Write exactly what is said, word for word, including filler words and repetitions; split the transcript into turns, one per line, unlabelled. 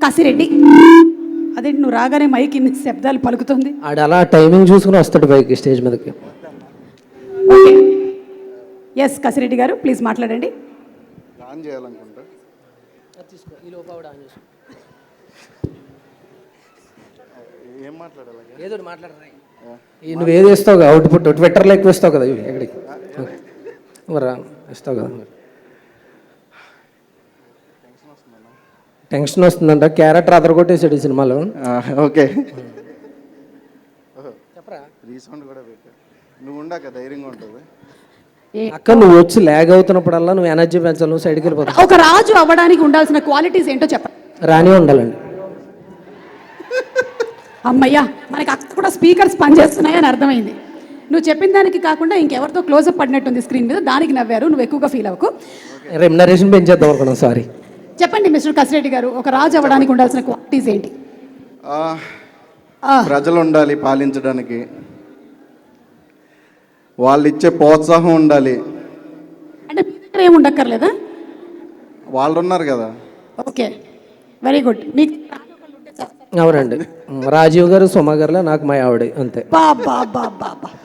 కాశిరెడ్డి. అదేంటి నువ్వు రాగానే మైక్ ఇన్ని శబ్దాలు పలుకుతుంది?
ఆడు అలా టైమింగ్ చూసుకుని వస్తాడు పైకి స్టేజ్ మీదకి.
ఓకే, ఎస్ కాశిరెడ్డి గారు ప్లీజ్ మాట్లాడండి.
ఆన్ చేయాలనుకుంటా. ఏం మాట్లాడాలి?
ఏదో మాట్లాడరా, నువ్వు ఏది ఇస్తావు అవుట్పుట్ ట్విట్టర్లో ఎక్కువ ఇస్తావు కదా, ఎక్కడికి మరి ఇస్తావు కదా. టెన్షన్ వస్తుందంట, క్యారెక్టర్ అదరగొట్టేసాడు ఈ సినిమాలో.
ఓకే, రీసౌండ్ కూడా పెట్టా. నువ్వు ఉండాక ధైర్యంగా ఉంటుంది.
అక్క నువ్వు వచ్చి ల్యాగ్ అవుతున్నప్పుడల్లా నువ్వు ఎనర్జీ పెంచాలి, నువ్వు సైడ్కి వెళ్ళిపోతావు.
ఒక రాజు అవ్వడానికి ఉండాల్సిన క్వాలిటీస్ ఏంటో చెప్పండి.
రాని ఉండాలండి.
అమ్మయ్యా, మనకి అక్కడ కూడా స్పీకర్స్ పనిచేస్తున్నాయని అర్థమైంది. నువ్వు చెప్పిన దానికి కాకుండా ఇంకెవరితో క్లోజప్ పడినట్టుంది స్క్రీన్ మీద, దానికి నవ్వారు. నువ్వు ఎక్కువగా ఫీల్ అవ్వకు.
రెమ్యునరేషన్ పెంచేద్దాం అనుకున్నాం, సారీ.
చెప్పండి మిస్టర్ కాశిరెడ్డి గారు, ఒక రాజు అవ్వడానికి ఉండాల్సిన క్వాలిటీస్ ఏంటి?
ప్రజలు ఉండాలి పాలించడానికి, వాళ్ళు ఇచ్చే ప్రోత్సాహం ఉండాలి.
అంటే మీ దగ్గర ఏమి ఉండక్కర్లేదా?
వాళ్ళు ఉన్నారు కదా.
Okay, very good. మీకు
అవునండి, రాజీవ్ గారు సుమ గారులో నాకు మా ఆవిడ అంతే.
బా బా బా బా బా